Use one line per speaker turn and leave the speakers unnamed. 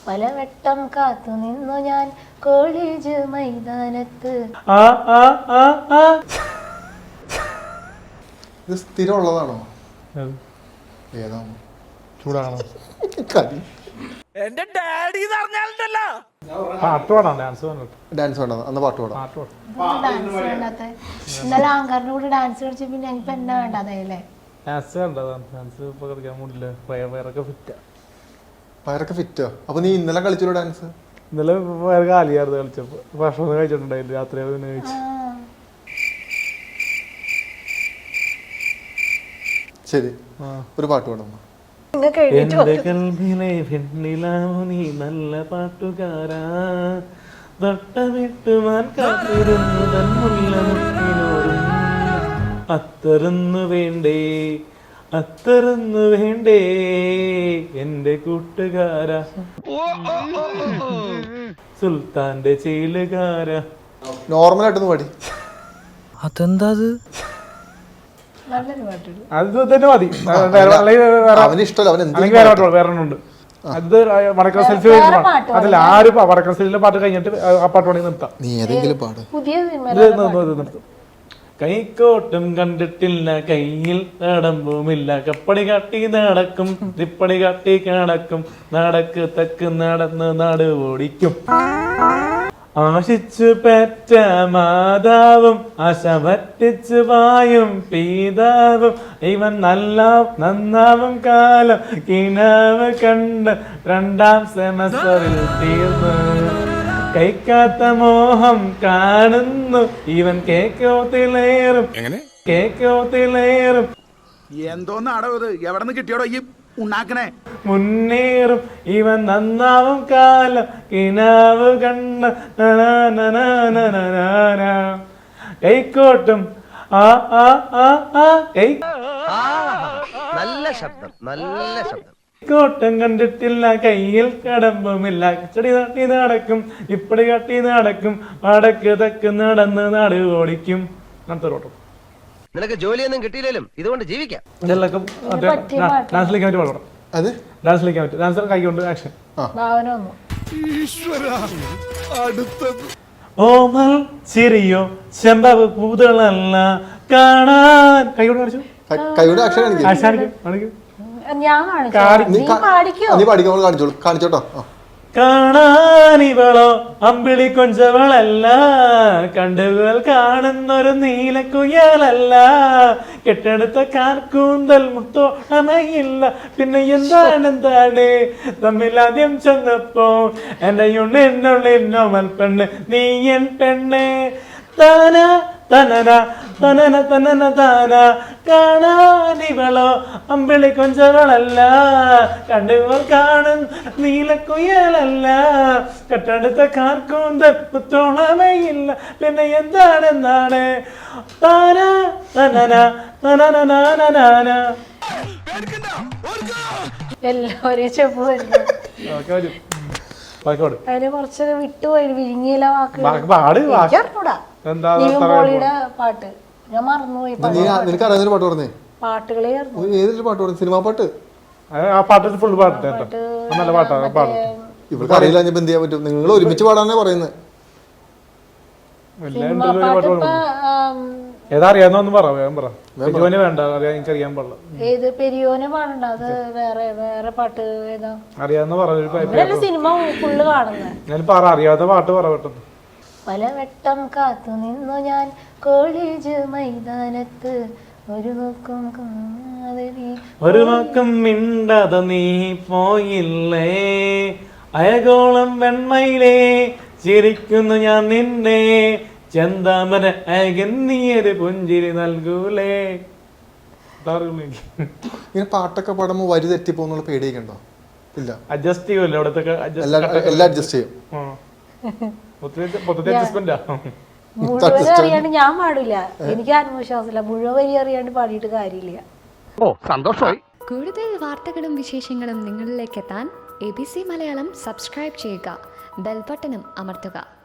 പലവട്ടം കാത്തു നിന്നു ഞാൻ കോളേജ് മൈതാനത്ത്.
ഇത് സ്ഥിരമുള്ളതാണോ? ഏതാണോ?
ചൂടാണോ?
എന്റെ ഡാഡി പറഞ്ഞാലുണ്ടല്ലോ
പാട്ട് പാടാം, ഡാൻസ്
ഡാൻസ് വേണ്ട, അന്ന് പാട്ട് പാടാം.
ഡാൻസ് വേണ്ടാത്ത ഇന്നലെ ആങ്കാറിന്റെ കൂടെ ഡാൻസ് കളിച്ച പിന്നെ എനിക്ക് എന്നാ വേണ്ടാതല്ലേ?
ഡാൻസ് വേണ്ടതാണ്, ഡാൻസ് ഇപ്പൊ കളിക്കാൻ മൂടില്ല, വയറൊക്കെ ഫിറ്റാ.
വയറൊക്കെ ഫിറ്റോ? അപ്പൊ നീ ഇന്നലെ കളിച്ചല്ലോ ഡാൻസ്?
ഇന്നലെ വയറ് കാലിയായിരുന്നു കളിച്ചപ്പോ, ഭക്ഷണം കഴിച്ചിട്ടുണ്ടായില്ല, രാത്രി പിന്നെ കഴിച്ചു.
ശരി, ഒരു പാട്ട് പാടാം.
എന്റെ കൽവിലെ വെണ്ണിലാവു നീ നല്ല പാട്ടുകാരാ, വട്ടമിട്ടുമാൻ കാത്തിരുന്നു തൻ മുല്ലമുത്തിനോടും, അത്തറുന്നു വേണ്ടേ അത്തറുന്നു വേണ്ടേ എന്റെ കൂട്ടുകാരാ, സുൽത്താന്റെ ചേലുകാരാ.
നോർമലായിട്ടൊന്ന് പാടി.
അതെന്താ
നല്ലൊരു പാട്ടുണ്ട്.
അത് തന്നെ മതി.
അവന് ഇഷ്ടമല്ല, അവൻ
വേറെ ഉണ്ട്. അത് വടക്കൻ സെൽഫി അതല്ല, ആരും വടക്കൻ സെൽഫിലെ പാട്ട് കഴിഞ്ഞിട്ട് ആ പാട്ട് വേണമെങ്കിൽ നിർത്താം.
നീ ഏതെങ്കിലും പാട്.
പുതിയ
നിർത്തും. കൈക്കോട്ടും കണ്ടിട്ടില്ല, കയ്യിൽ നടമ്പുമില്ല, കപ്പടി കാട്ടി നടക്കും, തിപ്പടി കാട്ടി കിടക്കും, നടക്ക് തക്ക് നടന്ന് നാട് ഓടിക്കും. ആശിച്ചു പെറ്റ മാതാവും ആശ പറ്റിച്ചു വായും പീതാവും, ഇവൻ നന്നാവും കാലം കിനാവ് കണ്ട് രണ്ടാം സെമസ്റ്ററിൽ തീർന്നു, കൈക്കാത്ത മോഹം കാണുന്നു ഇവൻ കേക്കോത്തിലേറും
എന്തോന്നാടോ ഇത്? എവിടെ നിന്ന് കിട്ടിയോടോ ഈ ഉണ്ടാക്കണേ?
മുന്നേറും ഇവൻ നന്നാവും കാലം കിനാവ് കണ്ട കൈക്കോട്ടും
നല്ല ശബ്ദം, നല്ല ശബ്ദം.
കോട്ടം കണ്ടിട്ടില്ല, കയ്യിൽ കടമ്പുമില്ല, ചെടി തട്ടി നടക്കും, ഇപ്പടി കട്ടി നടക്കും, വടക്ക് തെക്ക് നടന്ന് നാട് ഓടിക്കും. ഓട്ടം.
നിനക്ക് ജോലിയൊന്നും കിട്ടിയില്ലേലും ഇതുകൊണ്ട് ജീവിക്കാം.
ഡാൻസിലേക്ക് പാടാം. ഡാൻസിലേക്ക് പറ്റും. ഡാൻസർ കൈകൊണ്ട് ആക്ഷൻ. ഓമൽ ചിരിയോ ചെമ്പവ് പൂതളല്ല കാണാൻ, കൈകൊണ്ട് കാണിച്ചു.
കാണിച്ചോട്ടോ.
കാണാനിവളോ അമ്പിളി കൊഞ്ചവളല്ല, കണ്ടുകൾ കാണുന്നൊരു നീലക്കുയലല്ല, കെട്ടെടുത്ത കാർക്കൂന്തൽ മുത്തോണമയില്ല, പിന്നെ എന്താണ് തമ്മിലാദ്യം ചെന്നപ്പോ എന്റെ ഉണ്ണിന്നുള്ളിന്നോ മൽപ്പെണ്ണ് നീ എൻ പെണ്ണ്, താന തനന തനന തനന താന, കാണാനിവളോ അമ്പിളി കൊഞ്ചവളല്ല, കണ്ടുകൾ കാണും നീലക്കുയലല്ല, കെട്ടടുത്ത കാർക്കൂന്തൽ മുത്തോളമയില്ല, പിന്നെ എന്താണ് താന തനന തനന.
എല്ലാവരും ചെപ്പ് വരുന്നു. അതിന് കുറച്ചൊക്കെ വിട്ടുപോയി, വിഴുങ്ങിയില്ല വാക്കുകൂടാ. പാട്ട് ഞാൻ മറന്നുപോയി.
നിനക്ക് അറിയാവുന്ന പാട്ട് പറഞ്ഞേ?
പാട്ടുകളെ
ഏതൊരു പാട്ട് പറഞ്ഞു? സിനിമാ പാട്ട്?
ആ പാട്ട് ഫുൾ പാട്ട് നല്ല പാട്ടാണ്.
ഇവർക്ക് അറിയില്ല, ഞാൻ എന്ത് ചെയ്യാൻ പറ്റും? നിങ്ങൾ ഒരുമിച്ച് പാടാനേ പറയുന്നത്.
ഏതാ അറിയാവുന്നൊന്നും പറയാൻ പറ. പെരിയോനെ വേണ്ട, എനിക്കറിയാൻ പാടില്ല.
ഏത് പെരിയോനെ പാടണ്ട, അത് വേറെ പാട്ട് ഏതാ
അറിയാവുന്ന പറ.
സിനിമ ഫുള്ള് കാണുന്നത്
ഞാൻ പറ, അറിയാവുന്ന പാട്ട് പറ പെട്ടെന്ന്.
പലവട്ടം കാത്തു നിന്നു ഞാൻ കോളേജ് മൈതാനത്ത്, ഒരു നോക്കം
മിണ്ടാതെ നീ പോയില്ലേ, അയകോളം വെണ്മയിലേ ചിരിക്കുന്നു ഞാൻ നിന്നെ, ചെന്താമര അയകന്നിയൊരു പുഞ്ചിരി നൽകൂലേ.
ഇങ്ങനെ പാട്ടൊക്കെ പാടുമ്പോ വരി തെറ്റിപ്പോന്നുള്ള പേടിയൊക്കെ ഉണ്ടോ? ഇല്ല,
അഡ്ജസ്റ്റ് ചെയ്യുമല്ലോ അവിടത്തെ
എല്ലാം അഡ്ജസ്റ്റ് ചെയ്യും.
മുഴുവൻ അറിയാണ്ട് ഞാൻ പാടില്ല, എനിക്ക് ആത്മവിശ്വാസമില്ല. മുഴുവൻ വരി അറിയാണ്ട് പാടിയിട്ട് കാര്യമില്ല.
സന്തോഷമായി.
കൂടുതൽ വാർത്തകളും വിശേഷങ്ങളും നിങ്ങളിലേക്ക് എത്താൻ ABC മലയാളം സബ്സ്ക്രൈബ് ചെയ്യുക, ബെൽ ബട്ടണും അമർത്തുക.